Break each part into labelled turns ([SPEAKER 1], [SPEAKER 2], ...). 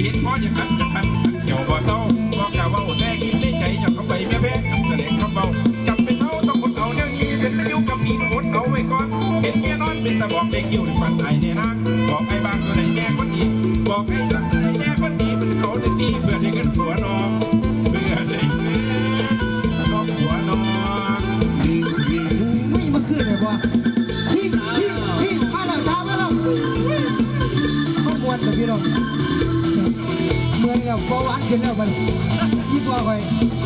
[SPEAKER 1] ห็นพ่ออย่างนั้นจะทันเกี่ยวบ่เศร้าบอกกล่าวว่าแต่กินได้ใจอย่าเข้าไปแม่แพ้คำแสดงคำเบาจำเป็นเท่าต้องคนเอาแนวนี้เป็นนิ้วกับมีอดเอาไว้ก่อนเห็นเมียนอนเป็นตะบอกได้คิวในฝันไอ้เนี่ยนะบอกไอ้บางตัวไหนแน่คนดีบอกไอ้สักไหนแน่คนดีมันเขาได้ดีเพื่อได้เงินหัวนอนเพื่อได้เงินน้องหัวนอน
[SPEAKER 2] ไม่มาขึ้นเลยบ่ที่มาแล้วช้ามาแล้วก็มวนแต่พี่น้องเมืองกับเบาหวานขึ้นแล้วมันยิ่งกว่าไป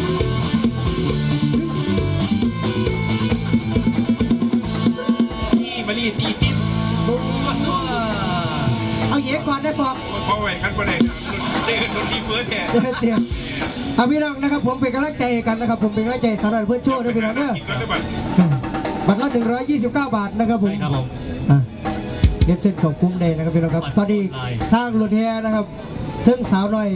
[SPEAKER 1] นี่มาลีตีติดซัว
[SPEAKER 2] เอาเยก่อนได้ปอก
[SPEAKER 1] พอไหวกันประเด็นเด็กโดนดีเฟิร์สแทน
[SPEAKER 2] เตี้ยเอาพี่น้องนะครับผมเป็นกำลังใจกันนะครับผมเป็นกำลังใจสำหรับเพื่อนโชว์ด้วยพี่น้องเด้อบัตรละ129 บาทนะครับผมเดี๋ยวเซ็นของคุ้มเลยนะครับพี่น้องครับตอนนี้ทางรถแห่นะครับซึ่งสาวหน่อย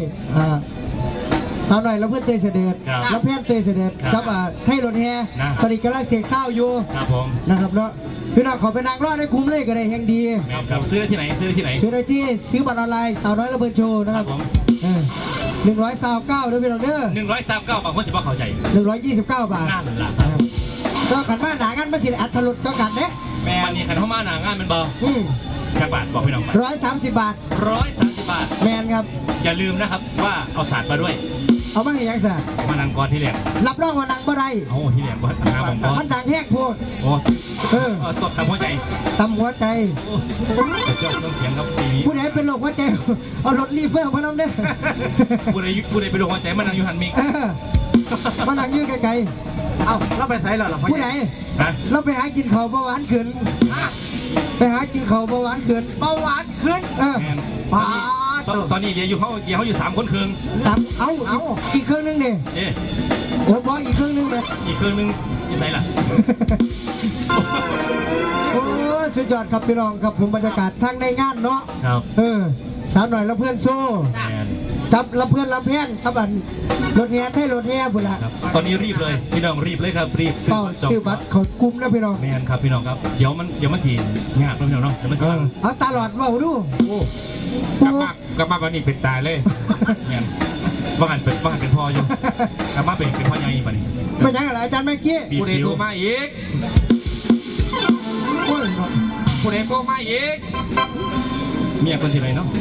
[SPEAKER 2] แล้วเพื่อนเตยเสด็จแล้วเพื่อนเตยเสด็จครับให้รถแห่ตอนนี้กำลังเสียงเศร้าอยู่นะครับแล้วพี่น้องขอไปนางรอดให้คุ้มเลยก็ได้แห่งดี
[SPEAKER 3] ซื้อที่ไหนซื้อ
[SPEAKER 2] ได้ที่ซื้อบัตรออนไลน์สาวน้อยระเบิดโชว์นะครับ129ด้วยพี่น้องเด้อ
[SPEAKER 3] 129บางคนจะบอกเข้าใจ
[SPEAKER 2] 129 บาท
[SPEAKER 3] นั่นแหละ
[SPEAKER 2] ก็ขันมาหนากันมาสิอัดถลุดก็กันเด้
[SPEAKER 3] แม่นี่ขันเข้ามาหนางานเป็นเบาจักบาทบอกพี่น้อง
[SPEAKER 2] 130 บาท
[SPEAKER 3] 130 บาท
[SPEAKER 2] แมนครับ
[SPEAKER 3] อย่าลืมนะครับว่าเอาศาสตร์มาด้วย
[SPEAKER 2] เอามาให้ยังซะ
[SPEAKER 3] มานังกรที่แหลม
[SPEAKER 2] รับรองว่านังบ่ได้
[SPEAKER 3] โอ้ที่แหลมก็ทำบอล
[SPEAKER 2] มันดังแห้งโพด
[SPEAKER 3] โอ้ตบทำหัวใจเจ้าต้องเสียงครับปีนี้
[SPEAKER 2] ผู้ใดเป็นโรคหัวใจเอารถรีเฟอร์มาน้ำเด้อ
[SPEAKER 3] ผู้ใดเป็นโรคหัวใจมันนั่งอยู่หันมิก
[SPEAKER 2] มันนั่งยืดไกล
[SPEAKER 3] เอ้าเราไปใส่หรอ
[SPEAKER 2] ผู้ใดเราไปหากินข้าวเบาหวานขึ้นไปหากินข้าวเบาหวานขึ้น
[SPEAKER 3] ตอนนี้เดี๋ยวอยู่3 คนครึ่ง
[SPEAKER 2] เอาอีกครึ่งนึงดิโอ้บออีกครึ่งนึงเลย
[SPEAKER 3] อีกครึ่งนึงยังไงล่ะ
[SPEAKER 2] โอ้สุดยอดครับพี่น้องครับผมบรรยากาศทั้งในงานเนาะ
[SPEAKER 3] ครับ
[SPEAKER 2] สาวหน่อยแล้วเพื่อนโซ่ครับแล้วเพื่อนลำแพนครับอันรถแห่ให้รถแห่บุญละ
[SPEAKER 3] ตอนนี้รีบเลยพี่น้องรีบเลยครับรีบ
[SPEAKER 2] ซื้อบัตรเขากุมนะพี่น้อง
[SPEAKER 3] แมนครับพี่น้องครับเดี๋ยวมันสีงานพี่น้องเนาะเดี๋ยวมันสี
[SPEAKER 2] เอาตลอดว่าดู
[SPEAKER 1] กลับมาวันนี้เป็นตายเลย
[SPEAKER 3] เนี่ยว่าหันเป็นพ่ออยู่กลับมาเป็นพ่อใหญ่ป่ะนี่
[SPEAKER 2] ไม่ใช่อะไรอาจารย์เมื่อกี้
[SPEAKER 1] ผู้ใดโทรมาอีกผู้ใดโทรมาอีก
[SPEAKER 3] เมียคนที่ไหนเนาะ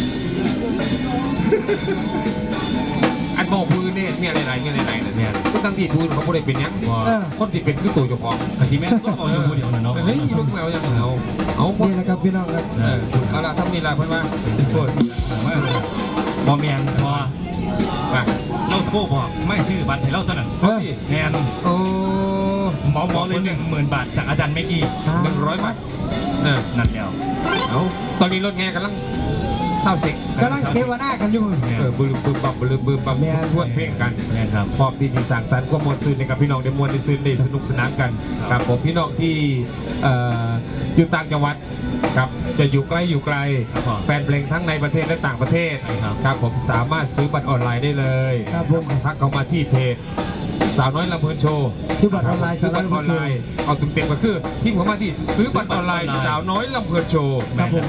[SPEAKER 1] อันบอกพื้นเนี่ยมีอะไรเนี่ยก็ตั้งที่พื้นเขาผู้ใดเป็นยังคนที่เป็นคือตัวเจ้าของ
[SPEAKER 3] กะทิแม่ก็บอกอยู่คนเดียวเนาะ
[SPEAKER 1] เฮ้ยลูกแมวยังเอา
[SPEAKER 2] นี่นะครับพี่น้องครับ
[SPEAKER 1] เอาละถ้ามีอะไรเพื่อนว่าโคตร
[SPEAKER 3] บอเมียนพอเราโทรบอกไม่ซื้อบัตรให้เราเท่านั้นแมน
[SPEAKER 1] โอ้
[SPEAKER 3] หมอเลย10,000 บาทจากอาจารย์เมกี้
[SPEAKER 1] 100 บาท
[SPEAKER 3] นั่นแล้ว
[SPEAKER 1] เอาตอนนี้รถแง่กำลังเศร้าเสก
[SPEAKER 2] กำลังเทวนากันอยู่
[SPEAKER 1] บืมบับทวนเพลงกัน
[SPEAKER 3] ครับ
[SPEAKER 1] พร้อมที่จะสั่งสรรค์ความมวลซื่นในกับพี่น้องได้มวลได้ซื่นได้สนุกสนานกันครับผมพี่น้องที่อยู่ต่างจังหวัดครับจะอยู่ใกล้อยู่ไกลแฟนเพลงทั้งในประเทศและต่างประเทศครับผมสามารถซื้อบัตรออนไลน์ได้เลย
[SPEAKER 2] ครับผม
[SPEAKER 1] ทักเข้ามาที่เพจสาวน้อยลำเพลินโชว์
[SPEAKER 2] ซื้อบัตรออนไลน์
[SPEAKER 1] เอาเต็มก็คือที่ผมมาที่ซื้อบัตรออนไลน์สาวน้อยลำเพลินโชว์
[SPEAKER 2] ครับผม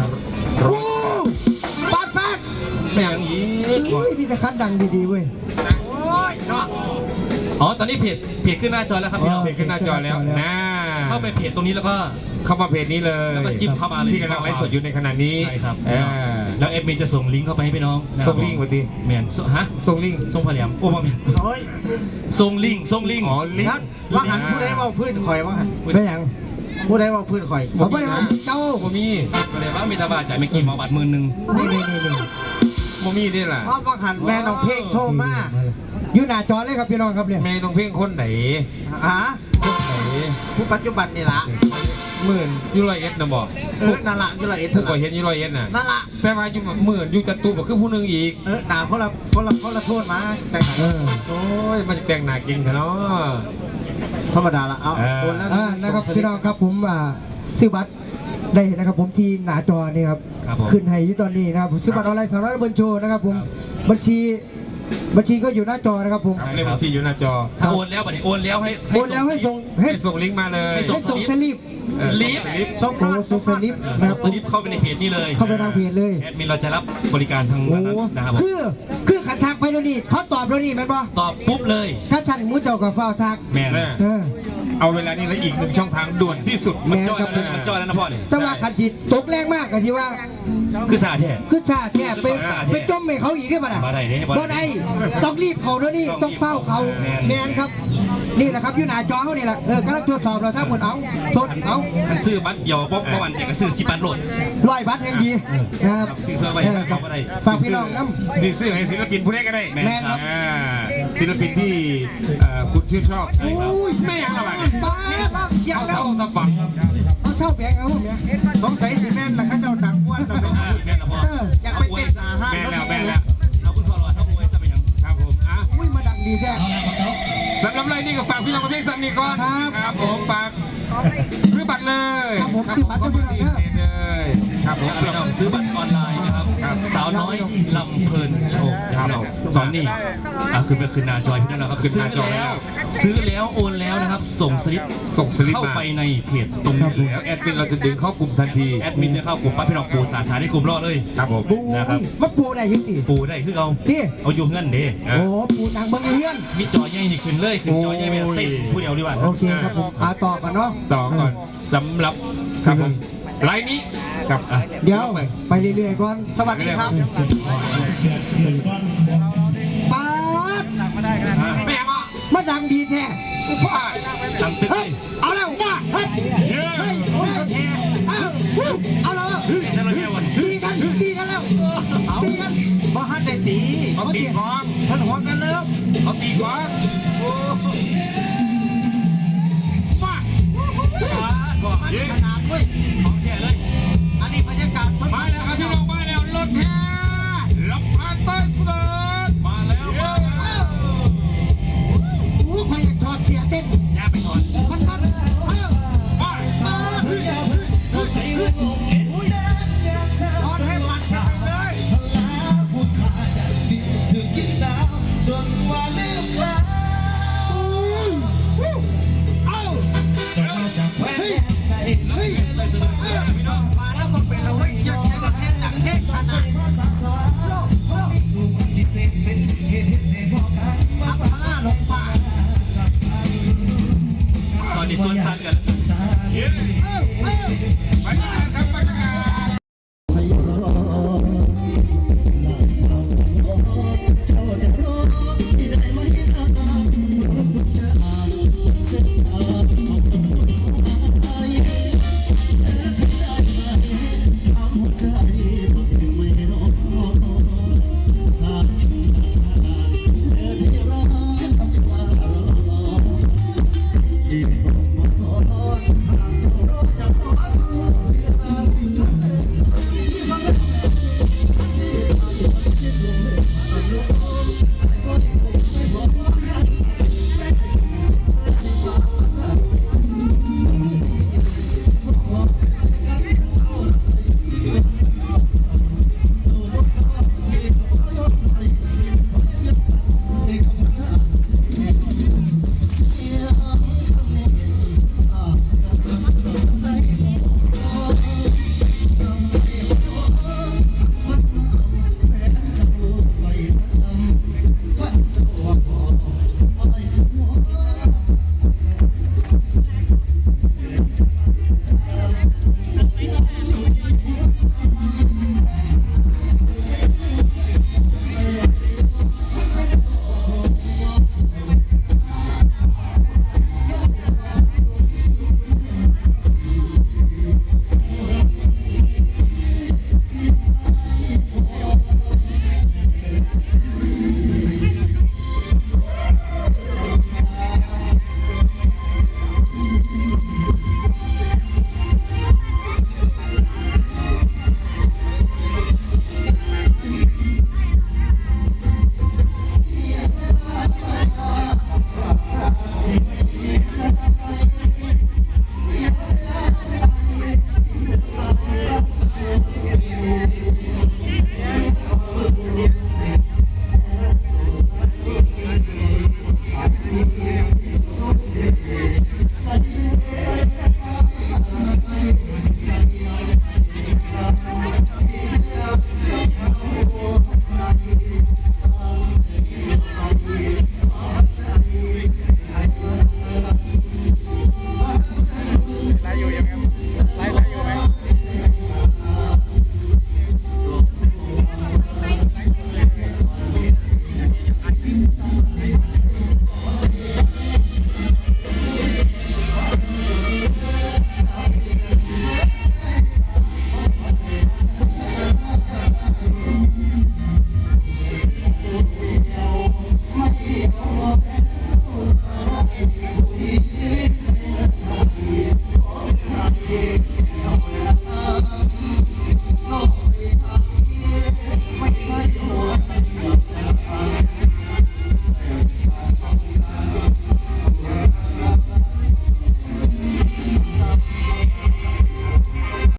[SPEAKER 2] ปัด
[SPEAKER 3] อย่างนี้
[SPEAKER 2] นี่จะคัดดังดีๆเว้ย
[SPEAKER 3] อ๋อตอนนี้เพจขึ้นหน้าจอแล้วครับพี่น้อง
[SPEAKER 1] เพจขึ้นหน้าจอแล้วนะ
[SPEAKER 3] เข้าไปเพจตรงนี้แล้วก็
[SPEAKER 1] เข้ามาเพจนี้เลย
[SPEAKER 3] แล้วก็จิ้มเข้ามาเลย
[SPEAKER 1] ที่กำลังไลฟ์สดอยู่ในขณะนี้
[SPEAKER 3] ใช่ครับแล้วเอฟมีจะส่งลิงก์เข้าไปให้พี่น้อง
[SPEAKER 1] ส่งลิงก์วันดี
[SPEAKER 3] เมียนฮะ
[SPEAKER 1] ส่งลิงก์
[SPEAKER 3] ส่งผลิตโอ้มาเมียนส่งลิงก์
[SPEAKER 1] อ๋อลิงก์
[SPEAKER 2] ว่าหันผู้ใดว่าพื้นข่อยว่าหันไม่ยังผู้ใดว่าพื้นข่อยผมไม่ได้ว่าเจ้า
[SPEAKER 3] บ่มีก็เลยว่ามีตาบาจ่ายไม่กี่หมอบัตร10,000
[SPEAKER 2] นี่
[SPEAKER 1] บ่มีนี่แหละ
[SPEAKER 2] ว่าหันแม่น้องเพ่งโทรมายืนหน้าจอเลยครับพี่น้องครับเนี่ย
[SPEAKER 1] แม่น้องเพ่งคนไหน
[SPEAKER 2] ผู้ปัจจุบันนี่ละ
[SPEAKER 1] 10,000นะบอก
[SPEAKER 2] นั่นละ100
[SPEAKER 1] ผู้ก่อเหตุ100น่ะ
[SPEAKER 2] นั่นละ
[SPEAKER 1] แต่มาอยู่10,000อยู่จัตุบอกคือผู้นึงอีก
[SPEAKER 2] หนาเขาละโทษมาแต่
[SPEAKER 1] โอ้ยมันแต่งหนาจริงเนาะ
[SPEAKER 2] ธรรมดาละเอาคนแล้วนะครับพี่น้องครับผมซื้อบัตรได้นะครับผมที่หน้าจอนี่ครับขึ้นให้ที่ตอนนี้นะครับซื้อบัตรออนไลน์200 บนโชว์นะครับผมบัญชีบัญชีก็อยู่หน้าจอนะครับผม
[SPEAKER 1] ครับเลขบัญชีอยู่หน้าจอ
[SPEAKER 3] ถ้าโอนแล้วบัดนี้โอนแล้วให้
[SPEAKER 2] โอนแล้วให้ส่ง
[SPEAKER 1] ให้ส่งลิงก์มาเลย
[SPEAKER 2] ให้ส่งสลิป
[SPEAKER 3] ลิฟต์
[SPEAKER 2] ส่งสลิปนะครับ
[SPEAKER 3] สลิปเข้าไปในเพจนี้เลย
[SPEAKER 2] เข้าไปทางเพจเลย
[SPEAKER 3] แอดมินเราจะรับบริการทาง
[SPEAKER 2] โอ้
[SPEAKER 3] นั้นนะครับผม
[SPEAKER 2] คือขันทักไปแล้วนี่เขาตอบแล้วนี่แม่นบ่
[SPEAKER 3] ตอบปุ๊บเลย
[SPEAKER 2] ถ้าท่านมูเจ้ากับฟ้าวทัก
[SPEAKER 3] แม่น
[SPEAKER 2] เออ
[SPEAKER 1] เอาเวลานี้แล้วอีกหนึ่งช่องทางด่วนที่สุด
[SPEAKER 2] แม่
[SPEAKER 3] จ้อย
[SPEAKER 2] ครับ
[SPEAKER 3] แล้วนะมันจ้อยแล้วนะพ่อเนี่ย
[SPEAKER 2] แต่ว่าขันจิตตกแรงมากกันที่ว่า
[SPEAKER 3] คือสาแท้
[SPEAKER 2] คือชาติเนี่ยไปจมให้เขาอีกได้ป่ะน่ะ
[SPEAKER 3] บ่ได้เด้
[SPEAKER 2] บ่ได้ต้องรีบเขาด้วยนี่ต้องเฝ้าเขาแมนครับ นี่แหละครับอยู่หน้าจอเขานี่แหละกำลังตรวจสอบเราถ้าหมดเอาทดเอา
[SPEAKER 3] มันซื้อบัตรเดียวป๊อกเมื่อวันเอกซื้อ10 บัตรโหลด
[SPEAKER 2] 100 บาทแห่งดีครับ
[SPEAKER 3] ซื้อเพื่อไว้เขาบ่ได้
[SPEAKER 2] ฝากพี่น้องน้ำ
[SPEAKER 1] สีเสื้อให้ศิลปินผู้ใดก็ได้
[SPEAKER 3] แม่นครับ
[SPEAKER 1] อ่าศิลปินที่คุณชื่นชอบ
[SPEAKER 2] โอ้ย
[SPEAKER 1] ไม่ยังอะไร
[SPEAKER 2] ป้าล่างเขียว
[SPEAKER 1] เอา
[SPEAKER 2] แล้ว
[SPEAKER 1] เสาสะฝัง
[SPEAKER 2] เอาเช่าแบงเอาเนี่ยสงสัยสิแม่นละข้าเจ้าดังอ้วนเราเป็น
[SPEAKER 3] แม่นแล้วพ่อ
[SPEAKER 2] อยากไปเต้นอาหาร
[SPEAKER 1] แม่แล้ว
[SPEAKER 3] เอาคุณพ่อรอเท่าไหร่จะไปยัง
[SPEAKER 1] ครับผมอ่ะ
[SPEAKER 2] อุ้ยมาดังดีแท้
[SPEAKER 1] สำหรับไรนี่ก็ฝากพี่น้องประเภทสัมนีก่อน
[SPEAKER 2] ครับ
[SPEAKER 1] ครับผมฝากซื้อบัตรเลย
[SPEAKER 2] ครับผมซื้อบัตร
[SPEAKER 1] ขอบคุณที่เลยครับผม
[SPEAKER 3] พี่น้องซื้อบัตรออนไลน์นะครับสาวน้อยลำเพลินโชว์ครับตอนนี้คือหน้าจอยพี่น้องนะครับซื้อแล้วโอนแล้วนะครับส่งสลิป
[SPEAKER 1] ส่งสลิป
[SPEAKER 3] เข้า
[SPEAKER 1] มา
[SPEAKER 3] ไปในเพจตรงนี้เลย
[SPEAKER 1] แล้วแอดมินเราจะดึงเข้ากลุ่มทันที
[SPEAKER 3] แอดมินเนี่ยเข้ากลุ่มปั๊บพี่น้องปูสาขาที่กลุ่มรอดเลย
[SPEAKER 1] ครับผม
[SPEAKER 2] ปู
[SPEAKER 3] นะครับ
[SPEAKER 2] มาปูได้ยังสิ
[SPEAKER 3] ปูได้คือเอา
[SPEAKER 2] ที่
[SPEAKER 3] เอาอยู่เงินเด้
[SPEAKER 2] โอ้ปูนางเบิ้งเฮียน
[SPEAKER 3] มีจอใหญ่นี่ขึ้นเลยขึ้นจอใหญ่ไม่ต้องติดผู้เดียวดีกว่า
[SPEAKER 2] โอเคครับผมต่อกันเนาะ
[SPEAKER 1] ต่อก่อนสำหรับครับผมไลน์นี้ครับอ่ะ
[SPEAKER 2] เดี๋ยวไปเรื่อยๆก่อนสวัสดีครับป๊าด
[SPEAKER 1] ไม่ยังอ่ะ
[SPEAKER 2] มาดังดีแท้
[SPEAKER 1] ว้า
[SPEAKER 3] ตั้งตึก
[SPEAKER 2] เฮ้
[SPEAKER 3] เลย ย
[SPEAKER 2] เอาแล้วว่าเฮ้ยเฮ้ยเอาแล้ว
[SPEAKER 3] นั่นเราเรียกว่า
[SPEAKER 2] ตีกันแล้วตีกันบ่ฮัดได้ตี
[SPEAKER 1] เขาตีกอง
[SPEAKER 2] ท่านหัวกันแล้ว
[SPEAKER 1] เขาตีกองโอ้ว้า
[SPEAKER 3] ก็
[SPEAKER 1] ยิง